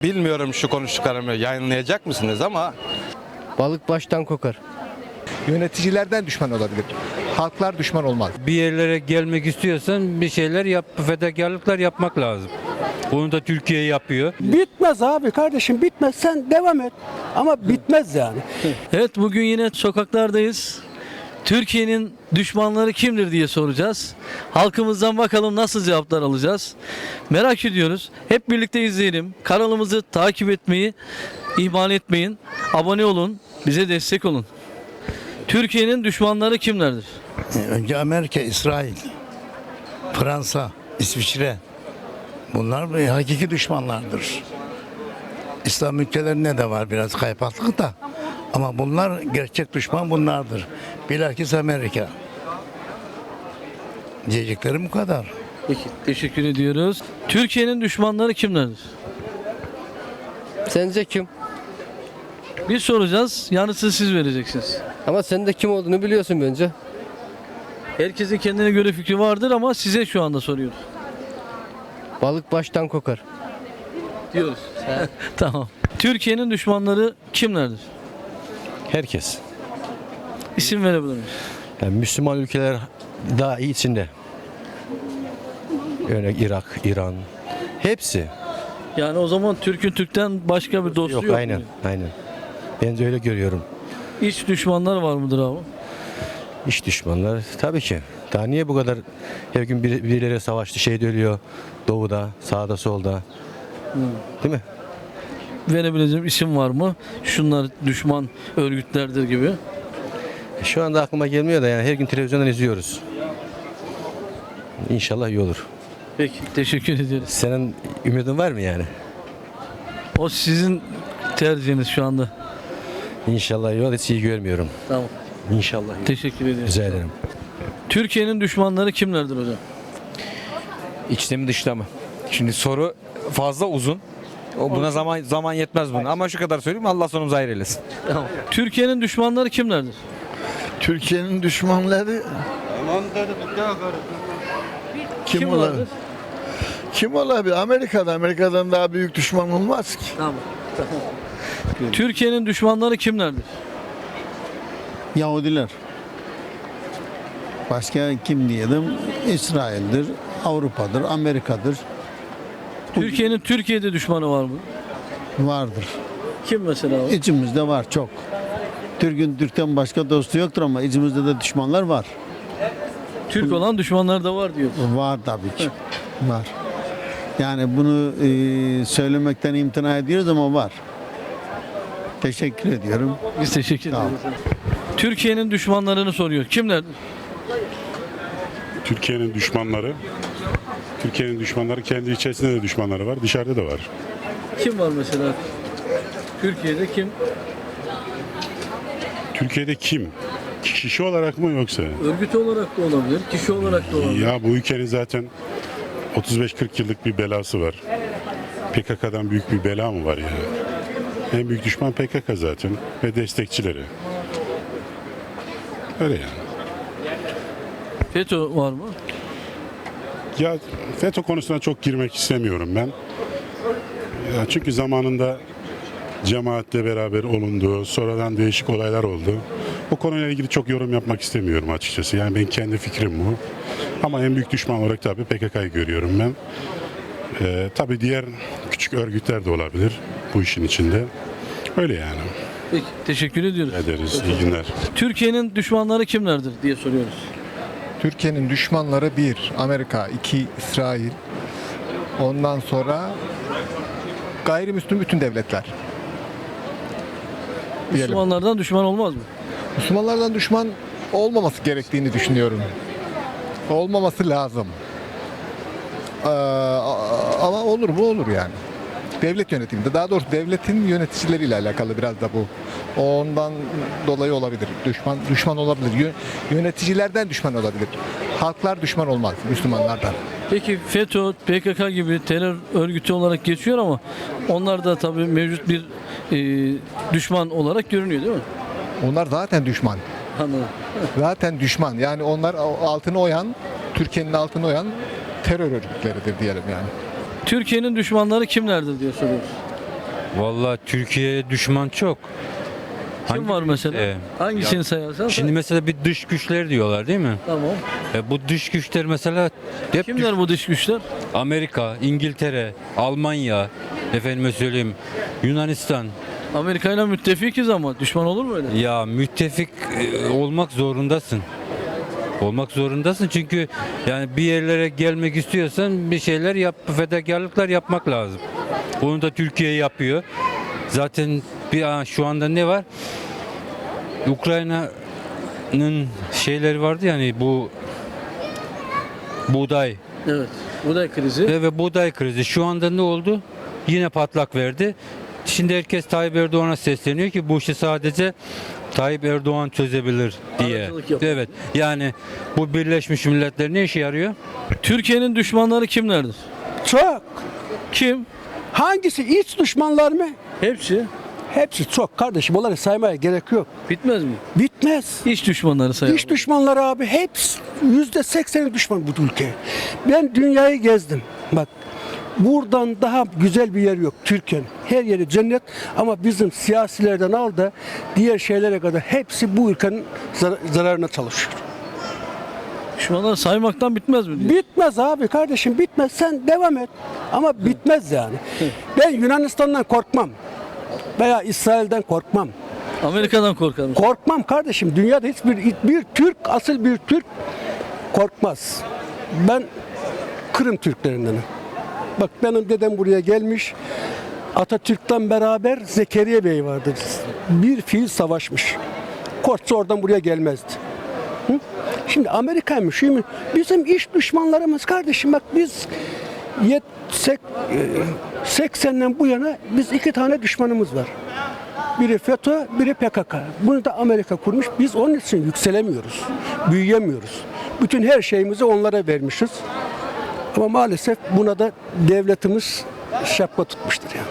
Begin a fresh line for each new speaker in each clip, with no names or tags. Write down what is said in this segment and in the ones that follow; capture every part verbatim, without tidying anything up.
Bilmiyorum şu konuştuklarımı yayınlayacak mısınız ama
Balık baştan kokar.
Yöneticilerden düşman olabilir. Halklar düşman olmaz.
Bir yerlere gelmek istiyorsan bir şeyler yap, fedakarlıklar yapmak lazım. Bunu da Türkiye yapıyor.
Bitmez abi kardeşim bitmez. Sen devam et. Ama bitmez yani.
Evet, bugün yine sokaklardayız. Türkiye'nin düşmanları kimdir diye soracağız. Halkımızdan bakalım nasıl cevaplar alacağız. Merak ediyoruz. Hep birlikte izleyelim. Kanalımızı takip etmeyi ihmal etmeyin. Abone olun. Bize destek olun. Türkiye'nin düşmanları kimlerdir?
Önce Amerika, İsrail, Fransa, İsviçre. Bunlar bir hakiki düşmanlardır. İslam ülkelerinde de var biraz kaypaklık da. Ama bunlar gerçek düşman bunlardır. Bilakis Amerika. Diyeceklerim bu kadar.
Peki, teşekkür ediyoruz. Türkiye'nin düşmanları kimlerdir?
Sence kim?
Biz soracağız, yanıtını siz vereceksiniz.
Ama sen de kim olduğunu biliyorsun bence.
Herkesin kendine göre fikri vardır ama size şu anda soruyoruz.
Balık baştan kokar.
Diyoruz. Tamam. Türkiye'nin düşmanları kimlerdir?
Herkes.
İsim verebilir miyiz?
Yani Müslüman ülkeler daha iyi içinde. Örnek Irak, İran. Hepsi.
Yani o zaman Türk'ün Türk'ten başka bir dostu yok,
Yok, aynen,
mu?
aynen. Ben de öyle görüyorum.
İç düşmanlar var mıdır abi?
İş düşmanlar tabii ki. Daha niye bu kadar her gün bir, birileri savaştı, şey de ölüyor. Doğuda, sağda, solda. Değil mi?
Verebileceğim isim var mı? Şunlar düşman örgütlerdir gibi.
Şu anda aklıma gelmiyor da yani her gün televizyondan izliyoruz. İnşallah iyi olur.
Peki, teşekkür ediyoruz.
Senin ümidin var mı yani?
O sizin tercihiniz şu anda.
İnşallah iyi olur. Hiç iyi görmüyorum.
Tamam.
İnşallah iyi.
Teşekkür ediyoruz.
Rica ederim.
Türkiye'nin düşmanları kimlerdir hocam?
İçte mi dışta mı? Şimdi soru fazla uzun. O buna zaman zaman yetmez buna. Ama şu kadar söyleyeyim, Allah sonumuzu hayır eylesin.
Tamam. Türkiye'nin düşmanları kimlerdir?
Türkiye'nin düşmanları kim,
Kim
olabilir?
vardır?
Kim olabilir? Amerika'da. Amerika'dan daha büyük düşman olmaz ki.
Tamam. Tamam. Türkiye'nin düşmanları kimlerdir?
Yahudiler. Başka kim diyelim? İsrail'dir, Avrupa'dır, Amerika'dır.
Türkiye'nin Türkiye'de düşmanı var mı?
Vardır.
Kim mesela? o?
İçimizde var çok. Türk'ün Türk'ten başka dostu yoktur ama içimizde de düşmanlar var.
Türk olan düşmanlar da var diyor.
Var tabii ki. Var. Yani bunu e, söylemekten imtina ediyoruz ama var. Teşekkür ediyorum.
Biz teşekkür
Sağ olun.
ederiz. Türkiye'nin düşmanlarını soruyor. Kimlerdir?
Türkiye'nin düşmanları, Türkiye'nin düşmanları kendi içerisinde de düşmanları var, dışarıda da var.
Kim var mesela? Türkiye'de kim?
Türkiye'de kim? Kişi olarak mı yoksa?
Örgüt olarak da olabilir, kişi olarak da olabilir.
Ya bu ülkenin zaten otuz beş kırk yıllık bir belası var. P K K'dan büyük bir bela mı var ya? En büyük düşman P K K zaten ve destekçileri. Öyle yani.
FETÖ var mı?
Ya FETÖ konusuna çok girmek istemiyorum ben. Ya çünkü zamanında cemaatle beraber olundu, sonradan değişik olaylar oldu. Bu konuyla ilgili çok yorum yapmak istemiyorum açıkçası. Yani benim kendi fikrim bu. Ama en büyük düşman olarak tabii P K K'yı görüyorum ben. Ee, tabii diğer küçük örgütler de olabilir bu işin içinde. Öyle yani.
Peki, teşekkür ediyoruz.
Ederiz. İyi günler.
Türkiye'nin düşmanları kimlerdir diye soruyoruz.
Türkiye'nin düşmanları bir, Amerika, iki, İsrail. Ondan sonra gayrimüslim bütün devletler. Diyelim.
Müslümanlardan düşman olmaz mı?
Müslümanlardan düşman olmaması gerektiğini düşünüyorum. Olmaması lazım. Ee, ama olur mu olur yani. Devlet yönetiminde, daha doğrusu devletin yöneticileriyle alakalı biraz da bu. Ondan dolayı olabilir. Düşman düşman olabilir. Yö- Yöneticilerden düşman olabilir. Halklar düşman olmaz Müslümanlardan.
Peki FETÖ, P K K gibi terör örgütü olarak geçiyor ama onlar da tabii mevcut bir e, düşman olarak görünüyor değil mi?
Onlar zaten düşman.
Anladım.
Zaten düşman. Yani onlar altını oyan, Türkiye'nin altını oyan terör örgütleridir diyelim yani.
Türkiye'nin düşmanları kimlerdir diye soruyoruz.
Vallahi Türkiye'ye düşman çok.
Kim
Hangi-
var mesela?
Ee,
Hangisini sayarsan?
Şimdi mesela bir dış güçler diyorlar değil mi?
Tamam.
E, bu dış güçler mesela hep
Kimler bu dış güçler?
Amerika, İngiltere, Almanya, efendime söyleyeyim Yunanistan.
Amerika ile müttefikiz ama düşman olur mu öyle?
Ya müttefik e, olmak zorundasın. Olmak zorundasın çünkü yani bir yerlere gelmek istiyorsan bir şeyler yap, fedakarlıklar yapmak lazım. Bunu da Türkiye yapıyor. Zaten bir aa, şu anda ne var? Ukrayna'nın şeyleri vardı yani bu buğday
Evet. Buğday krizi.
ve, ve buğday krizi. Şu anda ne oldu? Yine patlak verdi. Şimdi herkes Tayyip Erdoğan'a sesleniyor ki bu işi sadece Tayyip Erdoğan çözebilir diye.
Aracılık yapıyor.
Evet. Yani bu Birleşmiş Milletler ne işe yarıyor?
Türkiye'nin düşmanları kimlerdir?
Çok.
Kim?
Hangisi? İç düşmanlar mı?
Hepsi.
Hepsi çok kardeşim. Onları saymaya gerek yok.
Bitmez mi?
Bitmez.
İç düşmanları sayalım.
İç düşmanları abi hepsi yüzde sekseni düşman bu ülke. Ben dünyayı gezdim. Bak buradan daha güzel bir yer yok Türkiye'nin. Her yeri cennet ama bizim siyasilerden al da diğer şeylere kadar hepsi bu ülkenin zar- zararına çalışıyor.
Düşmanları saymaktan bitmez mi? diyor?
Bitmez abi kardeşim bitmez. Sen devam et. Ama bitmez yani. Ben Yunanistan'dan korkmam. Veya İsrail'den korkmam.
Amerika'dan korkarım.
Korkmam kardeşim. Dünyada hiçbir bir Türk, asıl bir Türk korkmaz. Ben Kırım Türklerindenim. Bak benim dedem buraya gelmiş. Atatürk'ten beraber Zekeriya Bey vardı. Bir fiil savaşmış. Korksa oradan buraya gelmezdi. Hı? Şimdi Amerika'ymış, şu mu? Bizim iş düşmanlarımız kardeşim. Bak biz yet, sek, seksenden bu yana biz iki tane düşmanımız var. Biri FETÖ, biri P K K. Bunu da Amerika kurmuş. Biz onun için yükselemiyoruz, büyüyemiyoruz. Bütün her şeyimizi onlara vermişiz. Ama maalesef buna da devletimiz şapka tutmuştur yani.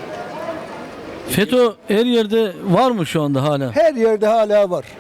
FETÖ her yerde var mı şu anda hala?
Her yerde hala var.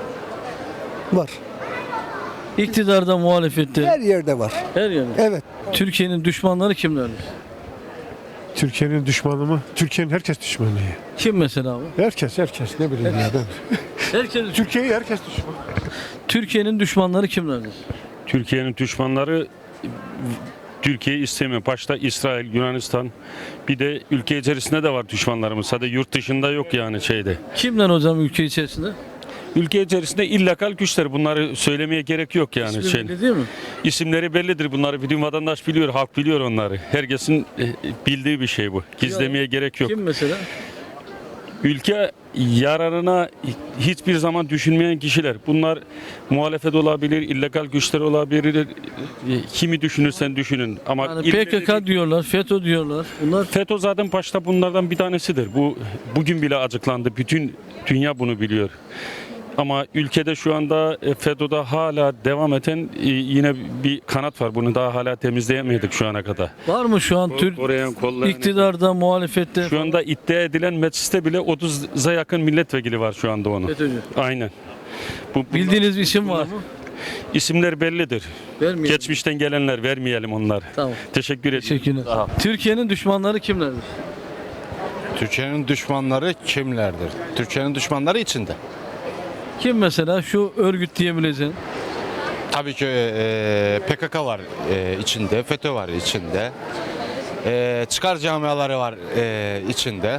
Var.
İktidarda, muhalefette.
Her yerde var.
Her yerde.
Evet.
Türkiye'nin düşmanları kimlerdir?
Türkiye'nin düşmanı mı? Türkiye'nin herkes düşmanı.
Kim mesela bu?
Herkes, herkes. Ne bileyim ya ben.
Herkes.
Türkiye'yi herkes düşman.
Türkiye'nin düşmanları kimlerdir?
Türkiye'nin düşmanları Türkiye istemiyor. Başta İsrail, Yunanistan. Bir de ülke içerisinde de var düşmanlarımız. Sadece yurt dışında yok yani şeyde.
Kimler hocam ülke içerisinde?
Ülke içerisinde illegal güçler. Bunları söylemeye gerek yok yani.
İsmi
şey.
belli değil mi?
İsimleri bellidir. Bunları bütün vatandaş biliyor, halk biliyor onları. Herkesin e, bildiği bir şey bu. Gizlemeye gerek yok.
Kim mesela?
Ülke yararına hiçbir zaman düşünmeyen kişiler. Bunlar muhalefet olabilir, illegal güçler olabilir. Kimi düşünürsen düşünün. Ama
Yani
ille-
P K K diyorlar, FETÖ diyorlar. Bunlar
FETÖ zaten başta bunlardan bir tanesidir. Bu bugün bile açıklandı. Bütün dünya bunu biliyor. Ama ülkede şu anda e, FETÖ'de hala devam eden e, yine bir kanat var. Bunu daha hala temizleyemedik şu ana kadar.
var mı şu an Türk
Koruyan, kollayan-
iktidarda, muhalefette?
Şu anda iddia edilen mecliste bile otuza yakın milletvekili var şu anda onun.
FETÖ'cü.
Aynen. Bu, bunlar-
Bildiğiniz bir isim var mı?
İsimler bellidir.
Vermeyelim.
Geçmişten gelenler, vermeyelim onları.
Tamam.
Teşekkür ederim.
Teşekkürler. Türkiye'nin düşmanları kimlerdir?
Türkiye'nin düşmanları kimlerdir? Türkiye'nin düşmanları içinde.
Kim mesela şu örgüt diyebileceğin?
Tabii ki e, P K K var e, içinde, FETÖ var içinde. E, çıkar camiaları var e, içinde.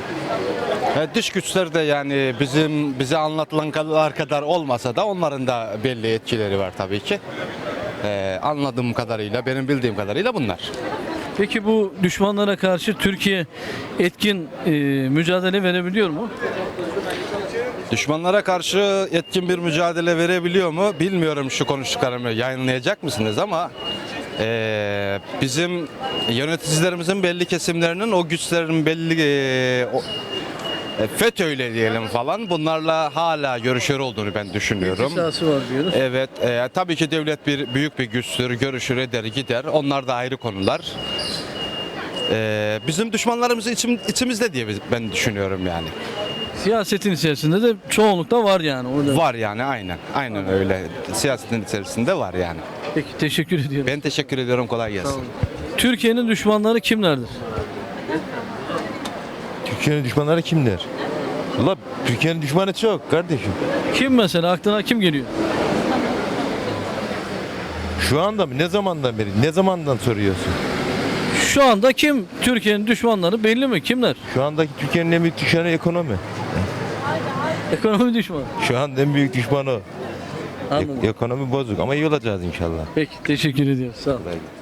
E, dış güçler de yani bizim bize anlatılanlar kadar olmasa da onların da belli etkileri var tabii ki. E, anladığım kadarıyla, benim bildiğim kadarıyla bunlar.
Peki bu düşmanlara karşı Türkiye etkin e, mücadele verebiliyor mu?
Düşmanlara karşı etkin bir mücadele verebiliyor mu? Bilmiyorum, şu konuştuklarımı yayınlayacak mısınız ama e, bizim yöneticilerimizin belli kesimlerinin o güçlerin belli e, o, e, FETÖ'yle diyelim falan bunlarla hala görüşür olduğunu ben düşünüyorum.
İhtisası var diyoruz.
Evet, e, tabii ki devlet bir büyük bir güçtür, görüşür eder gider. Onlar da ayrı konular. E, bizim düşmanlarımız içim, içimizde diye ben düşünüyorum yani.
Siyasetin içerisinde de çoğunlukta var yani. Orada.
Var yani aynen. Aynen öyle. Siyasetin içerisinde var yani.
Peki teşekkür ediyorum.
Ben teşekkür ediyorum. Kolay gelsin.
Türkiye'nin düşmanları kimlerdir?
Türkiye'nin düşmanları kimdir? Valla Türkiye'nin düşmanı çok kardeşim.
Kim mesela, aklına kim geliyor?
Şu anda mı? Ne zamandan beri? Ne zamandan soruyorsun?
Şu anda kim? Türkiye'nin düşmanları belli mi? Kimler?
Şu andaki Türkiye'nin en büyük düşmanı ekonomi.
Ekonomi düşmanı.
Şu an en büyük düşmanı o.
Anladım.
Ek- ekonomi bozuk ama iyi olacağız inşallah.
Peki, teşekkür ediyoruz. Sağ ol.